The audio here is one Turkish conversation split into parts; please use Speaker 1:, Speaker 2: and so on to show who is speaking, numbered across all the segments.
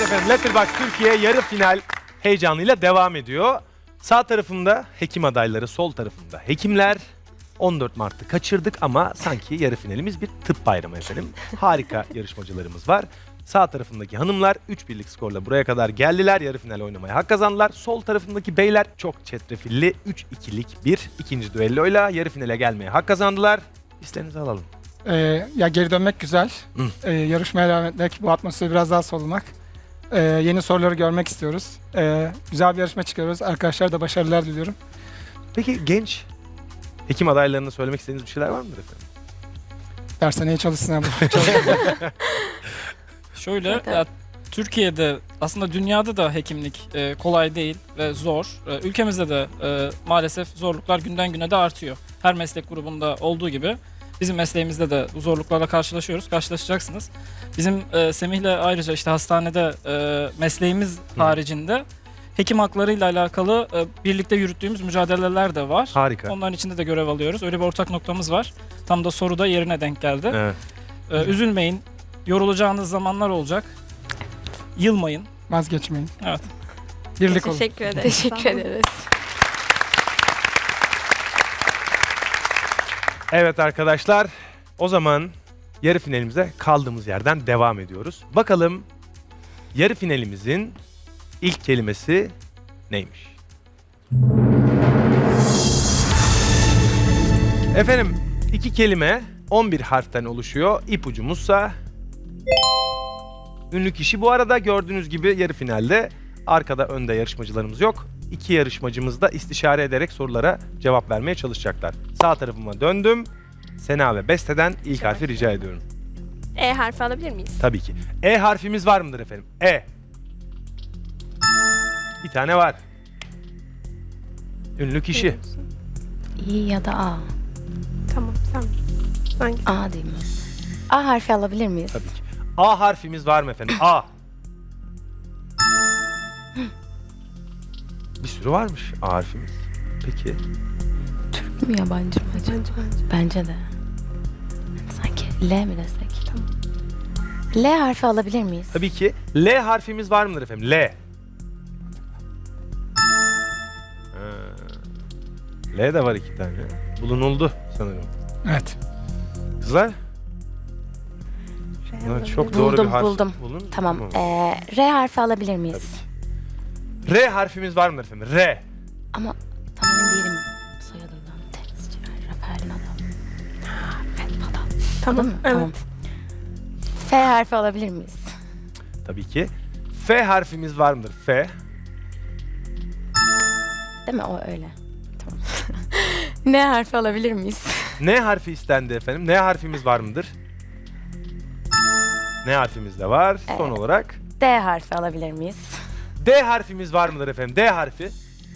Speaker 1: efendim, Letterboxd Türkiye yarı final heyecanıyla devam ediyor. Sağ tarafımda hekim adayları, sol tarafımda hekimler. 14 Mart'ı kaçırdık ama sanki yarı finalimiz bir tıp bayramı efendim. Harika yarışmacılarımız var. Sağ tarafındaki hanımlar 3-1'lik skorla buraya kadar geldiler. Yarı final oynamaya hak kazandılar. Sol tarafındaki beyler çok çetrefilli 3-2'lik bir ikinci düelloyla yarı finale gelmeye hak kazandılar. Hislerinizi alalım.
Speaker 2: Ya geri dönmek güzel. Yarışmaya devam etmek, bu atmosferi biraz daha solumak. Yeni soruları görmek istiyoruz. Güzel bir yarışma çıkıyoruz. Arkadaşlar da başarılar diliyorum.
Speaker 1: Peki genç hekim adaylarına söylemek istediğiniz bir şeyler var mıdır efendim?
Speaker 2: Dershaneye çalışsınlar.
Speaker 3: Şöyle, ya, Türkiye'de aslında dünyada da hekimlik kolay değil ve zor. Ülkemizde de maalesef zorluklar günden güne de artıyor. Her meslek grubunda olduğu gibi bizim mesleğimizde de bu zorluklarla karşılaşacaksınız. Bizim Semih'le ayrıca işte hastanede mesleğimiz haricinde hekim haklarıyla alakalı birlikte yürüttüğümüz mücadeleler de var.
Speaker 1: Harika.
Speaker 3: Onların içinde de görev alıyoruz. Öyle bir ortak noktamız var. Tam da soruda yerine denk geldi.
Speaker 1: Evet.
Speaker 3: Üzülmeyin. Yorulacağınız zamanlar olacak. Yılmayın.
Speaker 2: Vazgeçmeyin.
Speaker 3: Evet.
Speaker 2: Birlik olun.
Speaker 4: Teşekkür ederiz.
Speaker 5: Teşekkür ederiz.
Speaker 1: Evet arkadaşlar, o zaman yarı finalimize kaldığımız yerden devam ediyoruz. Bakalım yarı finalimizin ilk kelimesi neymiş? Efendim, 2 kelime 11 harften oluşuyor. İpucumuzsa ünlü kişi. Bu arada gördüğünüz gibi yarı finalde arkada önde yarışmacılarımız yok. 2 yarışmacımız da istişare ederek sorulara cevap vermeye çalışacaklar. Sağ tarafıma döndüm. Sena ve Beste'den ilk harfi rica ediyorum.
Speaker 4: E harfi alabilir miyiz?
Speaker 1: Tabii ki. E harfimiz var mıdır efendim? E. Bir tane var. Ünlü kişi.
Speaker 5: İ ya da A.
Speaker 4: Tamam, sen. Hangisi?
Speaker 5: A değil mi? A harfi alabilir miyiz?
Speaker 1: Tabii ki. A harfimiz var mı efendim? A. Bir sürü varmış A harfimiz. Peki.
Speaker 5: Türk mü yabancı mı acaba? Bence de. Sanki L mi desek? Tamam. L harfi alabilir miyiz?
Speaker 1: Tabii ki. L harfimiz var mıdır efendim? L. L de var 2 tane. Bulunuldu sanırım.
Speaker 2: Evet.
Speaker 1: Kızlar? Bunlar çok doğru bir
Speaker 5: Buldum,
Speaker 1: harf.
Speaker 5: buldum.
Speaker 1: Bulun.
Speaker 5: Tamam. R harfi alabilir miyiz?
Speaker 1: R harfimiz var mıdır efendim? R.
Speaker 5: Ama tam emin değilim soyadından. Tenisçi, Rafael'in adı. Evet falan.
Speaker 4: Tamam,
Speaker 5: Mı?
Speaker 4: evet.
Speaker 5: Tamam. F harfi alabilir miyiz?
Speaker 1: Tabii ki. F harfimiz var mıdır? F.
Speaker 5: Değil mi? O öyle. Tamam. N harfi alabilir miyiz?
Speaker 1: N harfi istendi efendim. N harfimiz var mıdır? N harfimiz de var. Son
Speaker 5: Evet.
Speaker 1: olarak
Speaker 5: D harfi alabilir miyiz?
Speaker 1: D harfimiz var mıdır efendim? D harfi.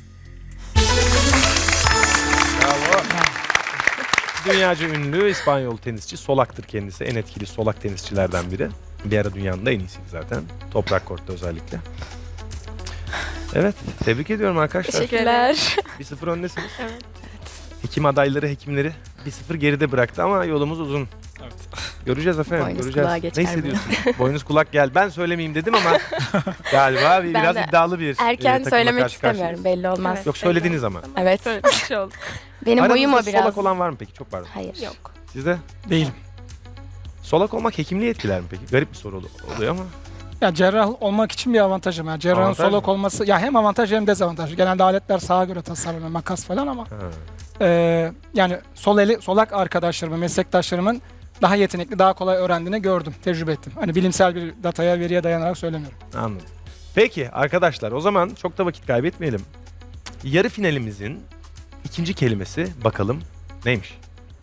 Speaker 1: Bravo. Dünyaca ünlü İspanyol tenisçi, solaktır kendisi. En etkili solak tenisçilerden biri. Bir ara dünyanın da en iyisiydi zaten. Toprak kortta özellikle. Evet, tebrik ediyorum arkadaşlar.
Speaker 4: Teşekkürler.
Speaker 1: 1-0 öndesiniz.
Speaker 4: Evet.
Speaker 1: Hekim adayları, hekimleri 1-0 geride bıraktı ama yolumuz uzun.
Speaker 3: Evet.
Speaker 1: Göreceğiz efendim,
Speaker 5: Boynuz
Speaker 1: göreceğiz.
Speaker 5: kulağa
Speaker 1: Ne
Speaker 5: geçer mi?
Speaker 1: hissediyorsun? Boynuz kulak gel. Ben söylemeyeyim dedim ama galiba biraz
Speaker 5: de
Speaker 1: iddialı bir
Speaker 5: Erken
Speaker 1: takımla
Speaker 5: söylemek
Speaker 1: karşı karşıyayız.
Speaker 5: istemiyorum. Belli olmaz.
Speaker 4: Evet.
Speaker 1: Yok söylediniz ama.
Speaker 5: Evet.
Speaker 4: Böyle bir şey oldu.
Speaker 5: Benim boyum o
Speaker 1: Aranızda
Speaker 5: biraz.
Speaker 1: solak olan var mı peki? Çok pardon.
Speaker 5: Hayır.
Speaker 4: Yok.
Speaker 1: Sizde?
Speaker 2: Değilim.
Speaker 1: Solak olmak hekimliği etkiler mi peki? Garip bir soru oluyor ama.
Speaker 2: Ya cerrah olmak için bir avantajım. Yani cerrahın
Speaker 1: Avantaj
Speaker 2: solak
Speaker 1: mı?
Speaker 2: olması ya hem avantaj hem dezavantaj. Genelde aletler sağa göre tasarlanıyor, makas falan ama
Speaker 1: Ha.
Speaker 2: yani solak arkadaşlarımın, meslektaşlarımın daha yetenekli, daha kolay öğrendiğini gördüm, tecrübe ettim. Hani bilimsel bir dataya, veriye dayanarak söylemiyorum.
Speaker 1: Anladım. Peki arkadaşlar, o zaman çok da vakit kaybetmeyelim. Yarı finalimizin ikinci kelimesi bakalım neymiş?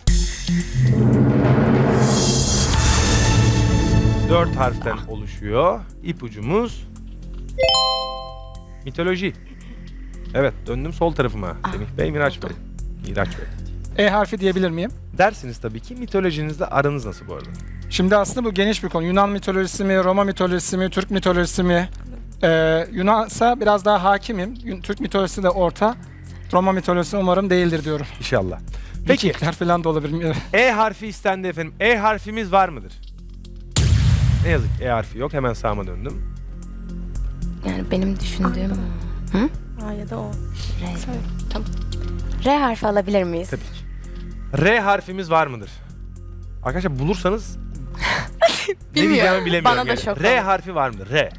Speaker 1: 4 harften oluşuyor. İpucumuz mitoloji. Evet, döndüm sol tarafıma. Semih Bey, Miraç Bey. Miraç Bey.
Speaker 2: E harfi diyebilir miyim?
Speaker 1: Dersiniz tabii ki. Mitolojinizle aranız nasıl bu arada?
Speaker 2: Şimdi aslında bu geniş bir konu. Yunan mitolojisi mi, Roma mitolojisi mi, Türk mitolojisi mi? Yunansa biraz daha hakimim. Türk mitolojisi de orta. Roma mitolojisi umarım değildir diyorum.
Speaker 1: İnşallah. Peki,
Speaker 2: Vikingler falan da olabilir.
Speaker 1: E harfi istendi efendim. E harfimiz var mıdır? Ne yazık ki E harfi yok. Hemen sağıma döndüm.
Speaker 5: Yani benim düşündüğüm
Speaker 4: A ya da O.
Speaker 5: R.
Speaker 4: Söyle. Tamam.
Speaker 5: R harfi alabilir miyiz?
Speaker 1: Tabii ki. R harfimiz var mıdır? Arkadaşlar bulursanız ne
Speaker 5: Bilmiyorum.
Speaker 1: diyeceğimi bilemiyorum.
Speaker 5: Bana da
Speaker 1: yani.
Speaker 5: şok
Speaker 1: R
Speaker 5: oldu.
Speaker 1: harfi var mıdır? R.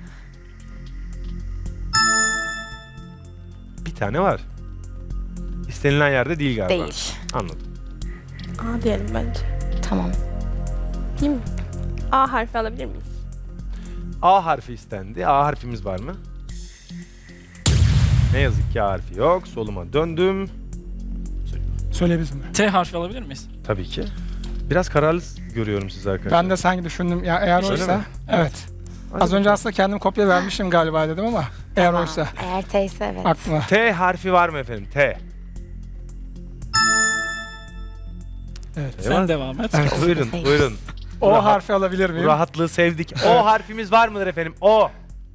Speaker 1: Bir tane var. İstenilen yerde değil galiba.
Speaker 5: Değil.
Speaker 1: Anladım.
Speaker 4: A diyelim bence.
Speaker 5: Tamam.
Speaker 4: Değil mi? A harfi alabilir miyiz?
Speaker 1: A harfi istendi. A harfimiz var mı? Ne yazık ki A harfi yok. Soluma döndüm.
Speaker 2: Söyleyebilirsin.
Speaker 3: T harfi alabilir miyiz?
Speaker 1: Tabii ki. Biraz kararlı görüyorum sizi arkadaşlar.
Speaker 2: Ben de sanki düşündüm. Ya eğer
Speaker 1: Öyle
Speaker 2: oysa.
Speaker 1: mi?
Speaker 2: Evet.
Speaker 1: Hadi
Speaker 2: Az önce
Speaker 1: bakalım.
Speaker 2: aslında kendim kopya vermişim galiba dedim ama eğer
Speaker 5: Tamam.
Speaker 2: oysa
Speaker 5: Eğer T ise evet.
Speaker 2: aklıma.
Speaker 1: T harfi var mı efendim? T.
Speaker 2: Evet.
Speaker 3: Sen devam et.
Speaker 2: Evet.
Speaker 1: Buyurun,
Speaker 5: Sekiz.
Speaker 1: buyurun.
Speaker 2: O
Speaker 1: Rahat-
Speaker 2: harfi alabilir
Speaker 1: Bu
Speaker 2: miyim?
Speaker 1: rahatlığı sevdik. O harfimiz var mıdır efendim? O.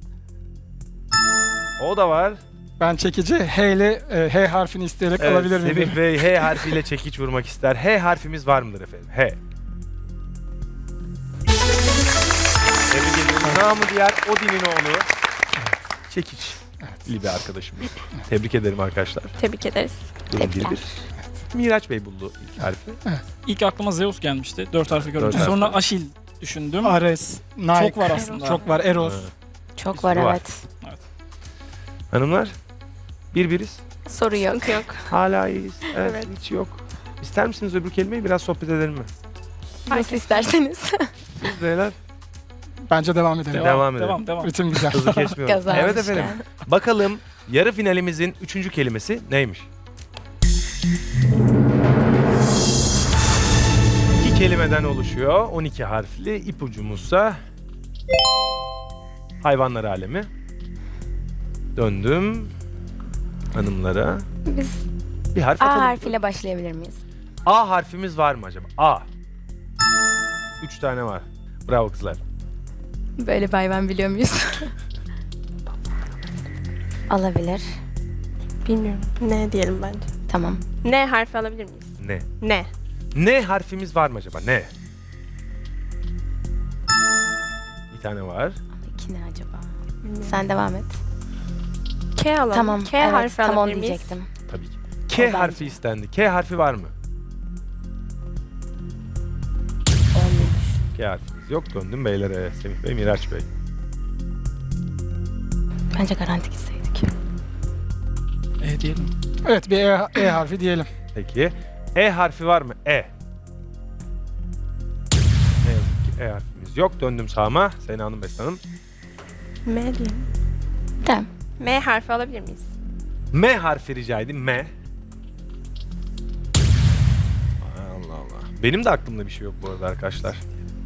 Speaker 1: O da var.
Speaker 2: Ben çekici H ile H harfini isteyerek
Speaker 1: Evet,
Speaker 2: alabilir miyim?
Speaker 1: Semih Bey H harfiyle çekiç vurmak ister. H harfimiz var mıdır efendim? H. Tebrik ediyorum. Namı diğer Odin'in oğlu. Çekiç. Bir arkadaşımız. Tebrik ederim arkadaşlar.
Speaker 4: Tebrik ederiz.
Speaker 1: Durum
Speaker 5: Tebrikler.
Speaker 1: 1-1. Miraç Bey buldu ilk harfi.
Speaker 3: İlk aklıma Zeus gelmişti. 4 harfi görünce.
Speaker 1: Dört harfi.
Speaker 3: Sonra Aşil düşündüm.
Speaker 2: Ares, Nike.
Speaker 3: Çok var aslında.
Speaker 2: Çok var. Eros.
Speaker 1: Evet.
Speaker 5: Çok
Speaker 1: Bir
Speaker 5: var
Speaker 1: sürü var.
Speaker 5: evet.
Speaker 1: Hanımlar 1-1'iz.
Speaker 5: Soru yok.
Speaker 4: Sıkıntı yok.
Speaker 1: Hala iyiyiz. Evet,
Speaker 4: Evet.
Speaker 1: hiç yok. İster misiniz öbür kelimeyi biraz sohbet edelim mi?
Speaker 5: Nasıl isterseniz.
Speaker 1: Siz beyler
Speaker 2: Bence devam edelim.
Speaker 1: Devam edelim.
Speaker 3: Devam.
Speaker 2: Ritim güzel.
Speaker 1: hızı kesmiyorum.
Speaker 5: Gaza
Speaker 1: Evet
Speaker 5: almışken.
Speaker 1: efendim. Bakalım yarı finalimizin 3. kelimesi neymiş? 2 kelimeden oluşuyor. 12 harfli. İpucumuzsa hayvanlar alemi. Döndüm hanımlara.
Speaker 5: Biz
Speaker 1: Bir harf
Speaker 5: A
Speaker 1: atalım.
Speaker 5: harfiyle başlayabilir miyiz?
Speaker 1: A harfimiz var mı acaba? A. 3 tane var. Bravo kızlar.
Speaker 5: Böyle bir hayvan biliyor muyuz? Alabilir.
Speaker 4: Bilmiyorum. Ne diyelim bence.
Speaker 5: Tamam.
Speaker 4: N harfi alabilir miyiz?
Speaker 1: Ne?
Speaker 4: Ne?
Speaker 1: Ne harfimiz var mı acaba? Ne? Bir tane var.
Speaker 5: Ama iki ne acaba?
Speaker 4: Bilmiyorum.
Speaker 5: Sen devam et.
Speaker 4: K alalım.
Speaker 5: Tamam.
Speaker 4: K
Speaker 5: evet,
Speaker 4: harfi
Speaker 5: tam onu
Speaker 4: alabilir miyiz?
Speaker 5: diyecektim.
Speaker 1: Tabii ki.
Speaker 5: O
Speaker 1: K
Speaker 5: bence.
Speaker 1: harfi istendi. K harfi var mı?
Speaker 5: Olmuş.
Speaker 1: K harfimiz yok. Döndüm beylere. Semih Bey, Miraç Bey.
Speaker 5: Bence garanti gitseydik.
Speaker 3: Diyelim.
Speaker 2: Evet bir E harfi diyelim.
Speaker 1: Peki. E harfi var mı? E. Ne yazık ki E harfimiz yok. Döndüm sağıma. Sena Hanım, Beste Hanım.
Speaker 4: M diyelim.
Speaker 5: Tamam.
Speaker 4: M harfi alabilir miyiz?
Speaker 1: M harfi rica edeyim. M. Allah Allah. Benim de aklımda bir şey yok bu arada arkadaşlar.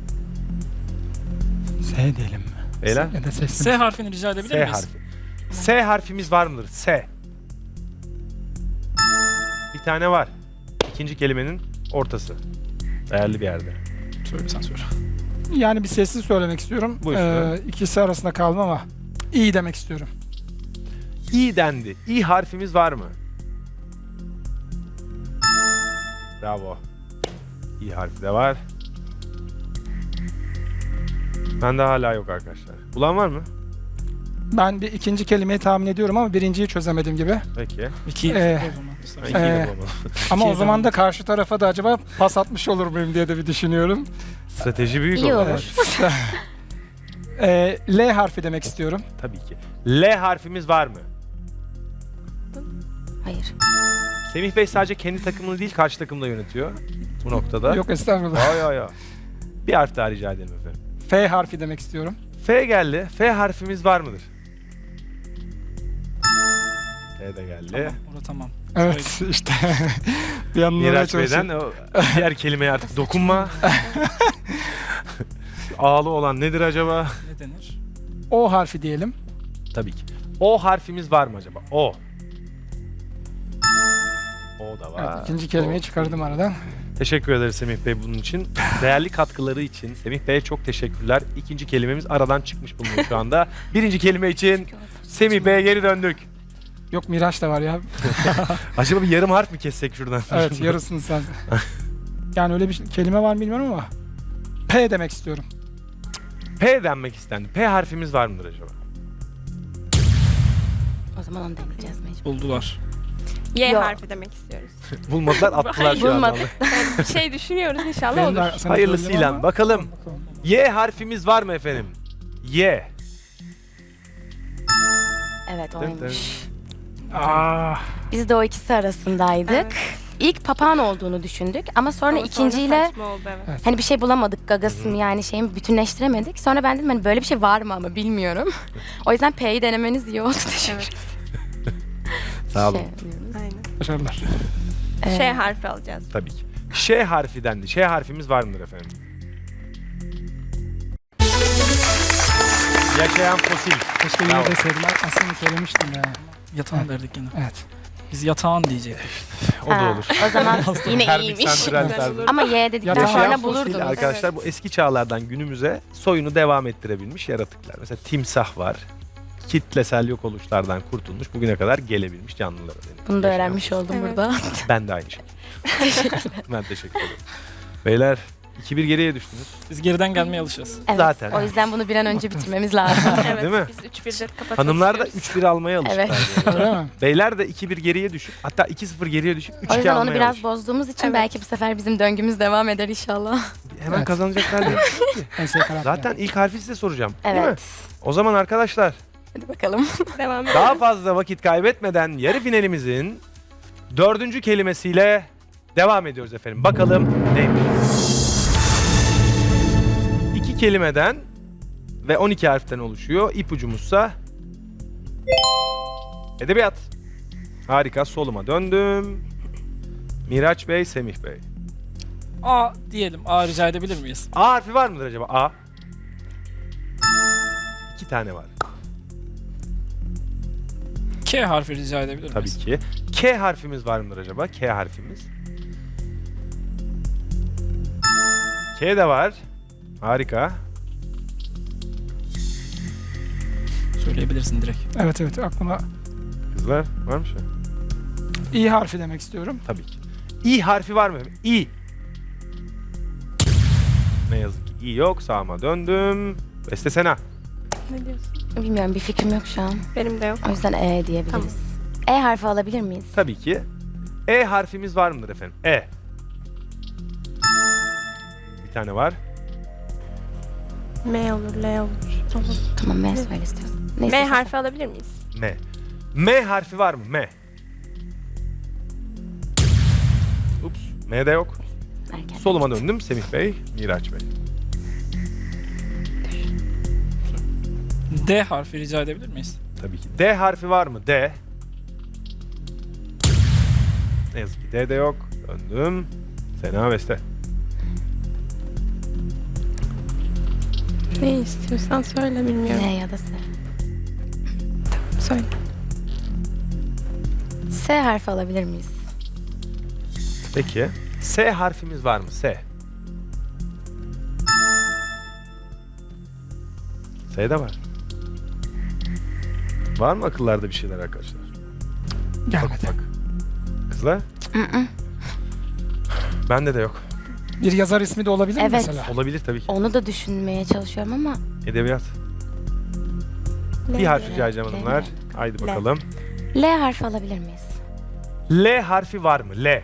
Speaker 2: S diyelim mi?
Speaker 1: Beyler.
Speaker 2: Ya da sesli.
Speaker 3: S harfini rica edebilir
Speaker 1: S
Speaker 3: miyiz?
Speaker 1: harfi. S harfimiz var mıdır? S. Bir tane var. İkinci kelimenin ortası. Değerli bir yerde.
Speaker 3: Söyle sen söyle.
Speaker 2: Yani bir sessiz söylemek istiyorum.
Speaker 1: Buyursun.
Speaker 2: İkisi arasında kaldım ama iyi demek istiyorum.
Speaker 1: İ dendi. İ harfimiz var mı? Bravo. İ harfi de var. Bende hala yok arkadaşlar. Bulan var mı?
Speaker 2: Ben bir ikinci kelimeyi tahmin ediyorum ama birinciyi çözemedim gibi.
Speaker 1: Peki.
Speaker 3: 2
Speaker 2: Ee,
Speaker 3: o zaman.
Speaker 1: Ben
Speaker 3: istersen.
Speaker 1: ikiyi de
Speaker 2: Ee,
Speaker 1: bulamadım.
Speaker 2: Ama o
Speaker 3: İkiye
Speaker 2: zaman
Speaker 3: devam
Speaker 2: da karşı tarafa da acaba pas atmış olur muyum diye de bir düşünüyorum.
Speaker 1: Strateji büyük
Speaker 5: İyi
Speaker 1: olur.
Speaker 5: olur.
Speaker 2: L harfi demek istiyorum.
Speaker 1: Tabii ki. L harfimiz var mı?
Speaker 5: Hayır.
Speaker 1: Semih Bey sadece kendi takımını değil karşı takımı da yönetiyor bu noktada.
Speaker 2: Yok estağfurullah.
Speaker 1: Ay ay ay. Bir harf daha rica edelim efendim.
Speaker 2: F harfi demek istiyorum.
Speaker 1: F geldi. F harfimiz var mıdır? F de geldi.
Speaker 3: Tamam, orada tamam.
Speaker 2: Evet işte. Bir anlamaya
Speaker 1: Miraç Bey'den
Speaker 2: çalışıyorum.
Speaker 1: o diğer kelimeye artık dokunma. Ağlı olan nedir acaba?
Speaker 3: Ne denir?
Speaker 2: O harfi diyelim.
Speaker 1: Tabii ki. O harfimiz var mı acaba? O. O da var.
Speaker 2: Evet, ikinci kelimeyi çıkardım aradan.
Speaker 1: Teşekkür ederiz Semih Bey bunun için. Değerli katkıları için Semih Bey'e çok teşekkürler. İkinci kelimemiz aradan çıkmış bulunuyor şu anda. Birinci kelime için Semih Bey'e geri döndük.
Speaker 2: Yok Miraç da var ya.
Speaker 1: Acaba bir yarım harf mi kessek şuradan?
Speaker 2: Evet yarısını sen. Yani öyle bir kelime var mı bilmiyorum ama. P demek istiyorum.
Speaker 1: P denmek istendi. P harfimiz var mıdır acaba?
Speaker 5: O zaman onu deneyeceğiz mecbur.
Speaker 3: Buldular.
Speaker 4: Y
Speaker 5: Yok.
Speaker 4: harfi demek istiyoruz.
Speaker 1: Bulmadılar, attılar şu an.
Speaker 5: Bulmadı.
Speaker 1: vallahi.
Speaker 4: Bir şey düşünüyoruz inşallah
Speaker 2: Benim de
Speaker 4: olur.
Speaker 2: sana
Speaker 1: Hayırlısıyla
Speaker 2: söyleyeyim ama-
Speaker 1: bakalım. Y harfimiz var mı efendim? Y.
Speaker 5: Evet oymuş.
Speaker 2: Ah,
Speaker 5: Biz de o ikisi arasındaydık.
Speaker 4: Evet.
Speaker 5: İlk papağan olduğunu düşündük ama sonra
Speaker 4: Ama
Speaker 5: ikinciyle
Speaker 4: saçma oldu, evet.
Speaker 5: hani bir şey bulamadık, gagası mı yani şeyimi bütünleştiremedik. Sonra ben dedim hani böyle bir şey var mı ama bilmiyorum. O yüzden P'yi denemeniz iyi oldu. Teşekkür
Speaker 4: Evet.
Speaker 1: Sağ olun.
Speaker 5: diyoruz.
Speaker 4: Aynen.
Speaker 2: başarılar.
Speaker 4: Ş harfi alacağız.
Speaker 1: Tabii ki. Ş harfi dendi. Ş harfimiz var mıdır efendim? Yaşayan fosil.
Speaker 2: Keşke
Speaker 1: Bravo.
Speaker 2: yine deseydim. Aslında söylemiştim ya.
Speaker 3: Yatağan derdik yine.
Speaker 2: Evet.
Speaker 3: Biz yatağan diyecektik.
Speaker 1: O da
Speaker 5: Ha,
Speaker 1: olur.
Speaker 5: O zaman yine
Speaker 1: Termik
Speaker 5: iyiymiş.
Speaker 1: santral
Speaker 4: Güzel
Speaker 1: tarzı.
Speaker 4: olur.
Speaker 5: Ama Y dedikten
Speaker 2: Yaşayan
Speaker 5: sonra
Speaker 2: fosil
Speaker 5: bulurdunuz.
Speaker 1: Arkadaşlar bu eski çağlardan günümüze soyunu devam ettirebilmiş yaratıklar. Mesela timsah var. Kitlesel yok oluşlardan kurtulmuş. Bugüne kadar gelebilmiş canlılara deniyor.
Speaker 5: Bunu da
Speaker 1: Yaşayan
Speaker 5: öğrenmiş oldum
Speaker 4: Evet.
Speaker 5: burada.
Speaker 1: Ben de aynı şey. Ben teşekkür ederim. Beyler 2-1 geriye düştünüz.
Speaker 3: Biz geriden gelmeye alışacağız.
Speaker 5: Evet,
Speaker 1: Zaten.
Speaker 5: O yüzden bunu bir an önce bitirmemiz lazım.
Speaker 4: Evet,
Speaker 1: Değil mi?
Speaker 4: biz 3-1'de kapatmak
Speaker 1: Hanımlar da
Speaker 4: istiyoruz.
Speaker 1: 3-1 almaya alışıklar.
Speaker 5: Evet.
Speaker 1: bu arada.
Speaker 2: Öyle mi?
Speaker 1: Beyler de 2-1 geriye düşüp hatta 2-0 geriye düşüp 3-2
Speaker 5: O yüzden
Speaker 1: almaya
Speaker 5: onu biraz
Speaker 1: alışık.
Speaker 5: bozduğumuz için
Speaker 4: Evet.
Speaker 5: belki bu sefer bizim döngümüz devam eder inşallah.
Speaker 1: Hemen
Speaker 2: Evet.
Speaker 1: kazanacaklar değil.
Speaker 2: Ense karar.
Speaker 1: Zaten ilk harfi size soracağım. Değil mi?
Speaker 5: Evet.
Speaker 1: O zaman arkadaşlar
Speaker 5: Hadi bakalım.
Speaker 4: Devam edelim.
Speaker 1: daha fazla vakit kaybetmeden yarı finalimizin 4. kelimesiyle devam ediyoruz efendim. Bakalım neymiş? 2 kelimeden ve 12 harften oluşuyor. İpucumuzsa edebiyat. Harika. Soluma döndüm. Miraç Bey, Semih Bey.
Speaker 3: A diyelim. A rica edebilir miyiz?
Speaker 1: A harfi var mıdır acaba? A. 2 tane var.
Speaker 3: K harfi rica edebilir
Speaker 1: Tabii
Speaker 3: miyiz?
Speaker 1: ki. K harfimiz var mıdır acaba? K harfimiz. K de var. Harika.
Speaker 3: Söyleyebilirsin direkt.
Speaker 2: Evet evet aklıma
Speaker 1: Kızlar var mı şey?
Speaker 2: İ harfi demek istiyorum.
Speaker 1: Tabii ki. İ harfi var mı? İ. Ne yazık ki İ yok. Sağıma döndüm. Beste Sena.
Speaker 4: Ne diyorsun?
Speaker 5: Bilmiyorum bir fikrim yok şu an.
Speaker 4: Benim de yok.
Speaker 5: O yüzden E diyebiliriz. E harfi alabilir miyiz?
Speaker 1: Tabii ki. E harfimiz var mıdır efendim? E. Bir tane var.
Speaker 4: M olur, L olur. Olur.
Speaker 5: Tamam M söyle istiyorsun. Neyse,
Speaker 4: M harfi alabilir miyiz?
Speaker 1: M. M harfi var mı? M. Ups. M de yok.
Speaker 5: erken.
Speaker 1: Soluma döndüm. Semih Bey, Miraç Bey.
Speaker 3: D harfi rica edebilir miyiz?
Speaker 1: Tabii ki. D harfi var mı? D. Ne yazık ki D de yok. Döndüm. Sena Beste.
Speaker 4: Ne istiyorsan söyle bilmiyorum.
Speaker 5: N ya da S.
Speaker 4: Söyle.
Speaker 5: S harfi alabilir miyiz?
Speaker 1: Peki. S harfimiz var mı? S. S de var. Var mı akıllarda bir şeyler arkadaşlar?
Speaker 2: Gelmedi.
Speaker 1: Bak. Kızlar? Bende de yok.
Speaker 2: Bir yazar ismi de olabilir mi
Speaker 5: Evet.
Speaker 2: mesela?
Speaker 1: Olabilir tabii ki.
Speaker 5: Onu da düşünmeye çalışıyorum ama
Speaker 1: Edebiyat. Bir harf rica edeceğim hanımlar. Haydi bakalım.
Speaker 5: L harfi alabilir miyiz?
Speaker 1: L harfi var mı? L.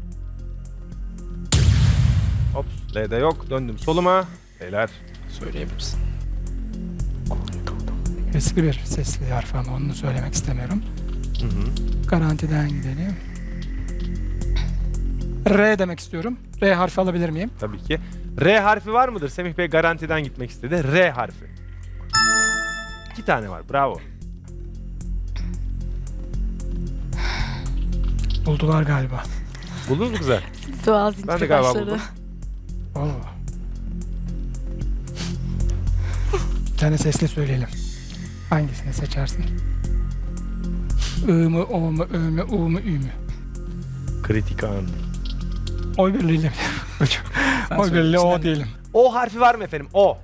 Speaker 1: Ops. L de yok. Döndüm soluma. Beyler.
Speaker 3: Söyleyebilirsin.
Speaker 2: Eski bir sesli harf ama onu söylemek istemiyorum.
Speaker 1: Hı hı.
Speaker 2: Garantiden gidelim. R demek istiyorum. R harfi alabilir miyim?
Speaker 1: Tabii ki. R harfi var mıdır? Semih Bey garantiden gitmek istedi. R harfi. 2 tane var. Bravo.
Speaker 2: Buldular galiba.
Speaker 1: Buldunuz mu kızlar?
Speaker 5: Doğal
Speaker 1: Ben de
Speaker 5: zincir
Speaker 1: galiba
Speaker 5: başladı.
Speaker 1: buldum.
Speaker 2: Oo. Bir tane sesli söyleyelim. Hangisini seçersin? I mı, O mu, Ö mü, U mu, Ü mü?
Speaker 1: Kritik an.
Speaker 2: Oy birliğiyle.
Speaker 3: Sen
Speaker 2: Oy
Speaker 3: söyle.
Speaker 2: birliğiyle O
Speaker 3: İçinden-
Speaker 2: diyelim.
Speaker 1: O harfi var mı efendim? O.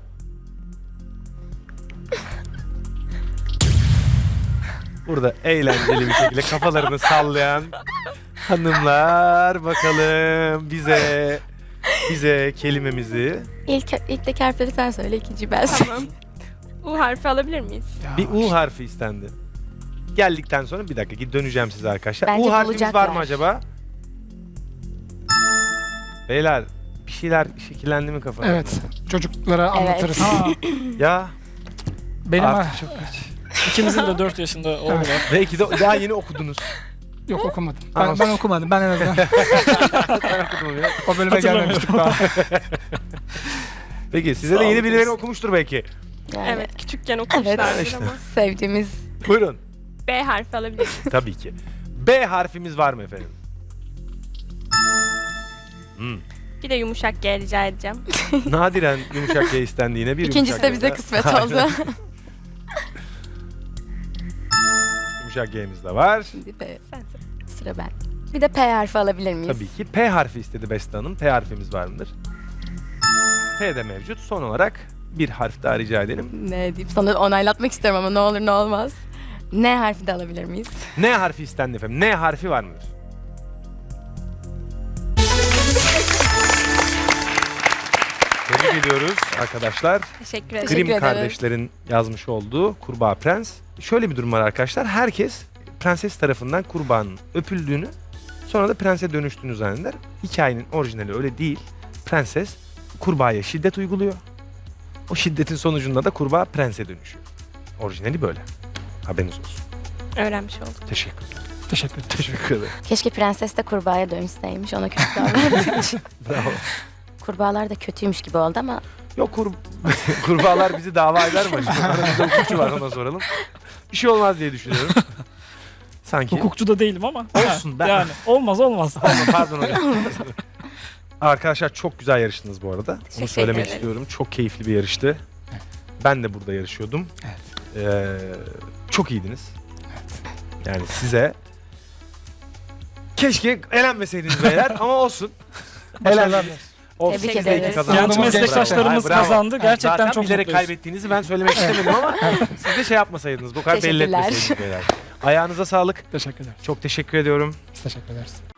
Speaker 1: Burada eğlenceli bir şekilde kafalarını sallayan hanımlar bakalım bize kelimemizi
Speaker 5: İlkteki harfleri sen söyle, ikinciyi ben söyleyeyim.
Speaker 4: Tamam. U harfi alabilir miyiz?
Speaker 2: Ya,
Speaker 1: bir U harfi istendi. geldikten sonra bir dakika döneceğim size arkadaşlar.
Speaker 5: Bence
Speaker 1: U harfimiz var mı
Speaker 5: bulacaklar.
Speaker 1: acaba? Beyler bir şeyler şekillendi mi kafanızda?
Speaker 2: Evet. Çocuklara anlatırız.
Speaker 3: Ha,
Speaker 1: Ya
Speaker 2: Benim
Speaker 1: artık çok geç.
Speaker 3: ikimizin de 4 yaşında oğlu var.
Speaker 1: Belki de daha yeni okudunuz.
Speaker 2: yok okumadım.
Speaker 1: Ama-
Speaker 2: Ben okumadım. Ben en azından
Speaker 1: Ben okudum ya.
Speaker 2: o bölüme gelmemiştik daha.
Speaker 1: Peki size de yeni birileri okumuştur belki.
Speaker 5: Yani
Speaker 4: Evet, küçükken okumuşlardır
Speaker 1: işte.
Speaker 4: ama.
Speaker 5: sevdiğimiz
Speaker 1: Buyurun.
Speaker 4: B harfi alabilir miyiz?
Speaker 1: Tabii ki. B harfimiz var mı efendim?
Speaker 4: Bir de yumuşak G rica edeceğim.
Speaker 1: Nadiren yumuşak G istendiğine bir
Speaker 5: İkincisi
Speaker 1: yumuşak
Speaker 5: de
Speaker 1: G
Speaker 5: bize
Speaker 1: daha.
Speaker 5: kısmet
Speaker 1: Aynen.
Speaker 5: oldu.
Speaker 1: Yumuşak G'miz de var.
Speaker 5: Şimdi P.
Speaker 4: Sen söyle.
Speaker 5: Sıra ben. Bir de P harfi alabilir miyiz?
Speaker 1: Tabii ki P harfi istedi Beste Hanım. P harfimiz var mıdır? P de mevcut. Son olarak bir harf daha rica edelim.
Speaker 5: Ne deyip sana onaylatmak istiyorum ama ne olur ne olmaz. N harfi de alabilir miyiz?
Speaker 1: N harfi istendi efendim. N harfi var mıdır? Tebrik ediyoruz arkadaşlar.
Speaker 4: Teşekkür ederim.
Speaker 5: Teşekkür
Speaker 1: Grimm
Speaker 5: ederiz.
Speaker 1: kardeşlerin yazmış olduğu Kurbağa Prens. Şöyle bir durum var arkadaşlar. Herkes prenses tarafından kurbağanın öpüldüğünü, sonra da prense dönüştüğünü zanneder. Hikayenin orijinali öyle değil. Prenses kurbağaya şiddet uyguluyor. O şiddetin sonucunda da kurbağa prense dönüşüyor. Orijinali böyle. Haberiniz olsun.
Speaker 4: Öğrenmiş olduk.
Speaker 1: Teşekkür ederim.
Speaker 2: Teşekkür ederim.
Speaker 1: Teşekkür ederim.
Speaker 5: Keşke prenses de kurbağaya dönüşseymiş. Ona kötü davranmış.
Speaker 1: Bravo.
Speaker 5: Kurbağalar da kötüymüş gibi oldu ama
Speaker 1: Yok kurbağalar bizi dava eder mi acaba? Aramızda hukukçu var, ona soralım. Bir şey olmaz diye düşünüyorum. Sanki.
Speaker 3: Hukukçu da değilim ama.
Speaker 1: Olsun, ben-
Speaker 3: Yani olmaz.
Speaker 1: Pardon hocam. Arkadaşlar çok güzel yarıştınız bu arada. Bunu
Speaker 4: Teşekkür
Speaker 1: söylemek
Speaker 4: ederiz.
Speaker 1: istiyorum. Çok keyifli bir yarıştı. Ben de burada yarışıyordum. Çok iyiydiniz. Yani size keşke elenmeseydiniz beyler ama olsun. Elendiniz. Olsun.
Speaker 5: Tebrik
Speaker 1: Siz de iki
Speaker 5: ederiz.
Speaker 1: kazandınız.
Speaker 3: Genç meslektaşlarımız
Speaker 1: Bravo.
Speaker 3: kazandı. Gerçekten
Speaker 1: Zaten
Speaker 3: çok
Speaker 1: bilerek
Speaker 3: mutluyuz.
Speaker 1: kaybettiğinizi ben söylemek istemedim ama siz de şey yapmasaydınız. Bu kadar belli
Speaker 5: Teşekkürler.
Speaker 1: etmeseydiniz beyler. Ayağınıza sağlık.
Speaker 2: Teşekkür ederim.
Speaker 1: Çok teşekkür ediyorum.
Speaker 2: Biz teşekkür ederiz.